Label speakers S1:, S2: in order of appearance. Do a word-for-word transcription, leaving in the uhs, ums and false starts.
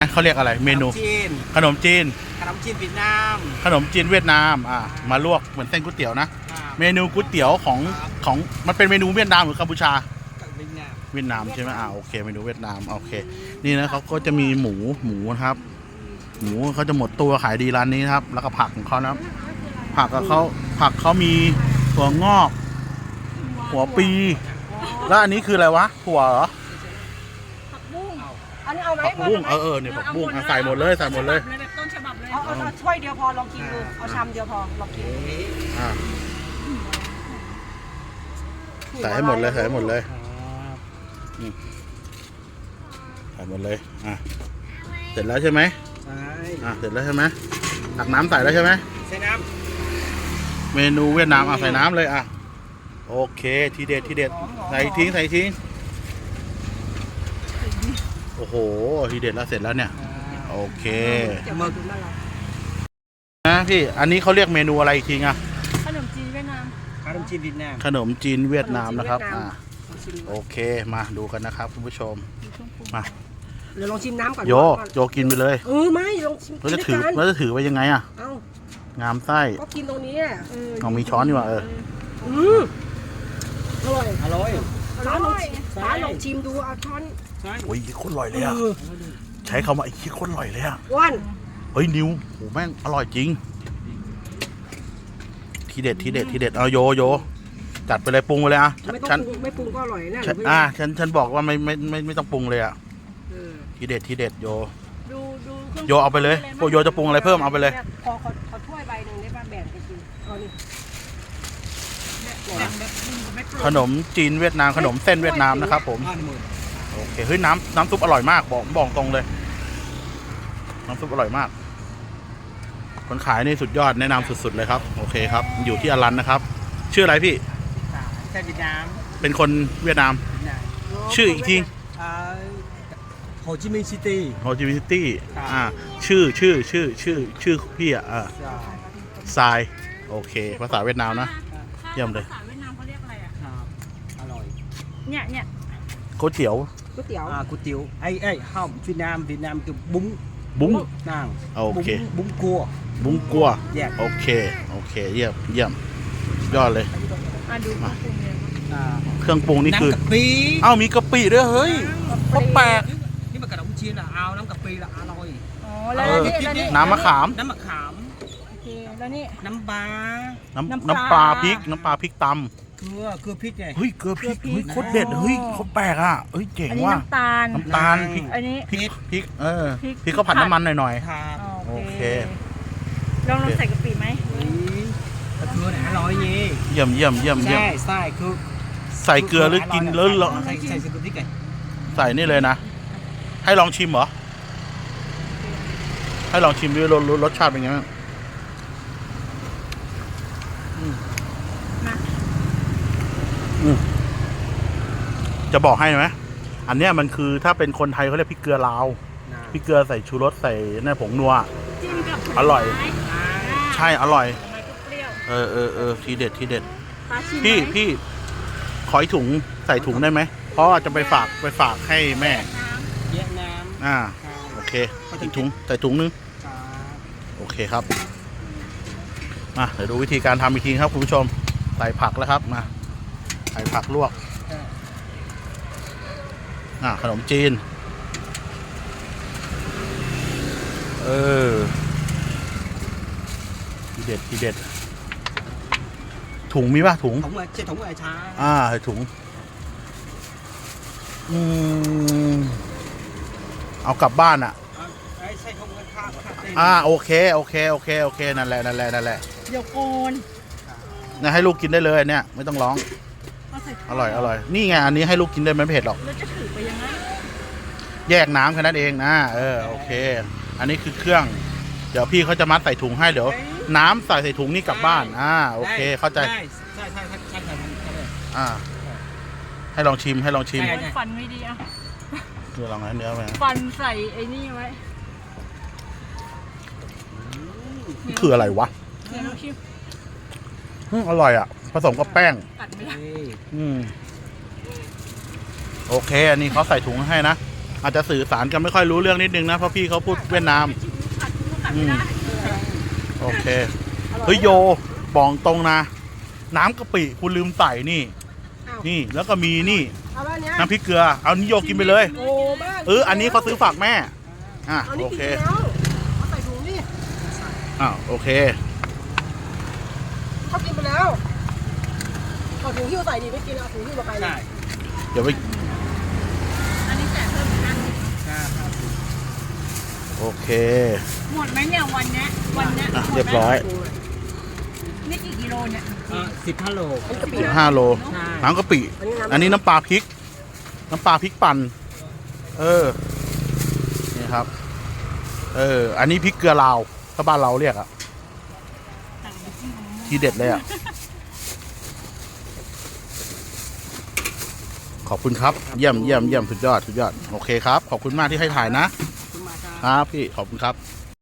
S1: เขาเรียกอะไรเมนู
S2: จีน
S1: ขนมจีน
S2: ขนมจีนเวียดนาม
S1: ขนมจีนเวียดนามอ่ามาลวกเหมือนเส้นก๋วยเตี๋ยวนะเมนูก๋วยเตี๋ยวของของมันเป็นเมนูเวียดนามหรือกัมพูชาเวียดนามใช่ไหมอ่าโอเคเมนูเวียดนามโอเคนี่นะเขาก็จะมีหมูหมูนะครับหมูเขาจะหมดตัวขายดีร้านนี้นะครับแล้วก็ผักของเขานะผักกับเขาผักเขามีถั่วงอกหัวปีแล้วอันนี้คืออะไรวะถั่วเหรอ
S3: ผักบุ้งอันนี้เอาไหม
S1: ผักบุ้งเออเออเนี่ยผักบุ้งใส่หมดเลยใส่หมดเลย
S3: แบบต้นฉบับเลยเอาเอาถ้วยเดียวพอลองกินดูเอาชามเดียวพอลองกิน
S1: อ่าใส่ให้หมดเลยใส่ให้หมดเลยใส่หมดเลยอ่ะเสร็จแล้วใช่ไหม
S2: ใช่
S1: อ่ะเสร็จแล้วใช่ไหมตักน้ำใส่แล้วใช่ไหม
S2: ใส่น้
S1: ำเมนูเวียดนามอ่ะใส่น้ำเลยอ่ะโอเคทีเด็ดทีเด็ดใส่ทิ้งใส่ทิ้งโอ้โหทีเด็ดแล้วเสร็จแล้วเนี่ยโอเคนะพี่อันนี้เขาเรียกเมนูอะไรอีกทีอ่ะ
S3: ขนมจีนเวียดนาม
S2: ขนมจีนเวียดนาม
S1: ขนมจีนเวียดนามนะครับอ่าโอเคมาดูกันนะครับคุณผู้ชมมา
S3: เดี๋ยวลองชิมน้ำก่อน
S1: โยโยกินไปเลย
S3: เออไม่ลองชิม
S1: เราจะถือเราจะถือไปยังไงอ่ะงามไส้
S3: ก็กินตรงนี้
S1: ลองมีช้อนดีกว่าเออ
S3: อืมอร่อย
S2: อร่อย
S3: ร้านลองร้านลองชิมดูเอาช้อน
S1: โอ้ยโคตรอร่อยเลยอ่ะใช้คำว่าไอ้ขี้โคตรอร่อยเลยอ่ะ
S3: วัน
S1: เฮ้ยนิวโหแม่งอร่อยจริงทีเด็ดทีเด็ดทีเด็ดเอาโยโยจัดไปเลยปรุงไปเลยอ่ะ
S3: ไม่ต้องปรุงไม่ปรุงก็อร่อยแน่
S1: อ่ะฉันฉันบอกว่าไม่ไม่ไม่ไม่ต้องปรุงเลยอ่ะทีเด็ดทีเด็ดโย
S3: ดูดู
S1: โยเอาไปเลยพวกโยจะปรุงอะไรเพิ่มเอาไปเลย
S3: ขอขอขอถ้วยใบหนึ่งได้ป่ะแบ่งไปกินเอาดิ
S1: ขนมจีนเวียดนามขนมเส้นเวียดนามนะครับผมโอเคเฮ้ยน้ำน้ำซุปอร่อยมากบอกบอกตรงเลยน้ำซุปอร่อยมากคนขายนี่สุดยอดแนะนำสุดๆเลยครับโอเคครับอยู่ที่อลันนะครับชื่ออะไรพี่
S2: เวียดนาม
S1: เป็นคนเวียดนามชื่ออีกที
S2: โฮจิมินห์ซิตี้
S1: โฮจิมินห์ซิตี้อ่าชื่อชื่อชื่อชื่อชื่อพี่อ่ะอ่าทรายโอเคภาษาเวียดนามนะเยี่ยมเลย
S3: ภาษาเวียดนามเขาเรียกอะไรอ่ะ
S2: อร่อย
S3: เนี่ยเนี่ย
S1: ก๋วยเตี๋ยว
S3: ก๋วยเตี๋ยว
S2: อ่าก๋วยเตี๋ยวไอ้ไอ้ห้องเวียดนามเวียดนามคือบุ้ง
S1: บุ้ง
S2: นั่ง
S1: โอเค
S2: บุ้งกัว
S1: บุ้งกัวโอเคโอเคเยี่ยมเยี่ยมยอดเลยเครื่องปรุงนี่คือเอ้ามีกะปิด้วยเฮ้ยก็แปลก
S2: นี่มันกระดองจีนอ่ะเอาน้ำกะปิละอร่อย
S3: อ๋อแล้วนี่
S1: น้ำมะขาม
S2: น้ำมะขาม
S3: โอเคแล้วนี่
S2: น้ำปลา
S1: น้ำน้ำปลาพริกน้ำปลาพริกตำ
S2: เกลือเกลือพริกไง
S1: เฮ้ยเกลือพริกเฮ้ยโคตรเด็ดเฮ้ยเขาแปลกอ่ะเฮ้ยเจ๋งว่ะ
S3: น้ำตาล
S1: น้ำตาลพริก
S3: อันนี้
S1: พริกพริกเออพริกเขาผัดน้ำมันหน่อย
S3: ๆโอเคลองลองใส่กะปิไหม
S2: เกลือไหนอร่อยยี่
S1: เยี่ยมเยี่ยมเยี่ยมเยี่ยม
S2: ใช่ใช่คือ
S1: ใส่เกลือหรือกินแล้ว
S2: ใส่ใส่พริกไง
S1: ใส่นี่เลยนะให้ลองชิมเหรอให้ลองชิมด้วยรสรสชาติเป็นไงบ้างจะบอกให้ไหมอันเนี้ยมันคือถ้าเป็นคนไทยเขาเรียกพริกเกลือลาวพริกเกลือใส่ชูรสใส่เนี่ยผงนัวอร่อยใช่อร่อยเออเออเออทีเด็ดทีเด็ดพี่พี่ขอถุงใส่ถุงได้ไหมเพราะจะไปฝากไปฝากให้แม่
S2: เวียดนาม
S1: อ่าโอเคอีกถุงใส่ถุงนึงโอเคครับมาเดี๋ยวดูวิธีการทำอีกทีครับคุณผู้ชมใส่ผักแล้วครับมาใส่ผักลวกอ่าขนมจีนเออทีเด็ดทีเด็ดถุงมีป่ะถุง
S2: ถุงอะไรใช่ถุงอะไรช้า
S1: อ่าใส่ถุงอืมเอากลับบ้านอ่ะ
S2: ใช่ถุงกันข้าว
S1: อ่าโอเคโอเคโอเคโอเคนั่นแหละนั่นแหละนั่นแหละ
S3: เดี๋ยวโกน
S1: นะให้ลูกกินได้เลยเนี่ยไม่ต้องร้องอร่อยอร่อยนี่ไงอันนี้ให้ลูกกินได้ไม่เผ็ดหรอก
S3: แล้วจะถือไปยังไง
S1: แยกน้ำแค่นั้นเองนะเออโอเคอันนี้คือเครื่องเดี๋ยวพี่เขาจะมัดใส่ถุงให้เดี๋ยวน้ำใส่ใส่ถุงนี่กลับบ้านอ่าโอเคเข้าใจ
S2: ใช่ใช่ใช่ใช่ใช่
S1: อ่าให้ลองชิมให้ลองชิม
S3: ฟันไม่ดีอ่ะ
S1: เดี๋ยวลองให้เนื้อไป
S3: ฟันใส่ไอ้นี่ไว้
S1: นี่คืออะไรวะอร่อยอ่ะผสมกับแป้งอืมโอเคอันนี้เขาใส่ถุงให้นะอาจจะสื่อสารกันไม่ค่อยรู้เรื่องนิดนึงนะเพราะพี่เขาพูดเวียดนาม อืม โอเคเฮ้ยโยบอกตรงนะ น้ำกะปิคุณลืมใส่นี่
S3: อ้าว
S1: นี่แล้วก็มีนี่
S3: เอาแบบเนี้ย
S1: น้ำพริกเกลือเอานี่โยกินไปเลย
S3: โอ้บ้า
S1: เอออันนี้เขาซื้อฝากแม่อ่ะ
S3: เอานี่
S1: โอ
S3: กิน
S1: เค
S3: ไปแล้วเอาใส่ถุงนี่
S1: อ้าวโอเค
S3: เขากินไปแล้วเอาถุงหิ้วใส่ดิไม่กินเอาถุงหิ้วมาไปดิ
S2: ใช่
S1: เดี๋ยวไป
S4: อันนี้แจกเพิ่มอีกอัน
S2: ใช่ครับ
S1: โอเค
S4: หมดไหมเนี่ยวันเนี้ยวันเนี้ย
S1: อ่ะ
S4: หมดไหม
S1: เรียบร้อย
S4: นี่กี่กิโลเนี่ย
S2: สิบห้าโล
S3: อันนี้กะปิ
S1: สิบห้าโล
S2: ใช่
S1: น้ำกะปิ
S3: อันนี้น้ำ
S1: อันนี้น้ำปลาพริก น้ำปลาพริกปั่นเออนี่ครับ เออ อันนี้พริกเกลือลาวถ้าบ้านเราเรียกอะทีเด็ดเลยอะขอบคุณครับ เยี่ยมเยี่ยมเยี่ยมสุดยอดสุดยอดโอเคครับ ขอบคุณมากที่ให้ถ่ายนะ
S2: คุณมาครับ
S1: ครับพี่ขอบคุณครับ
S2: ค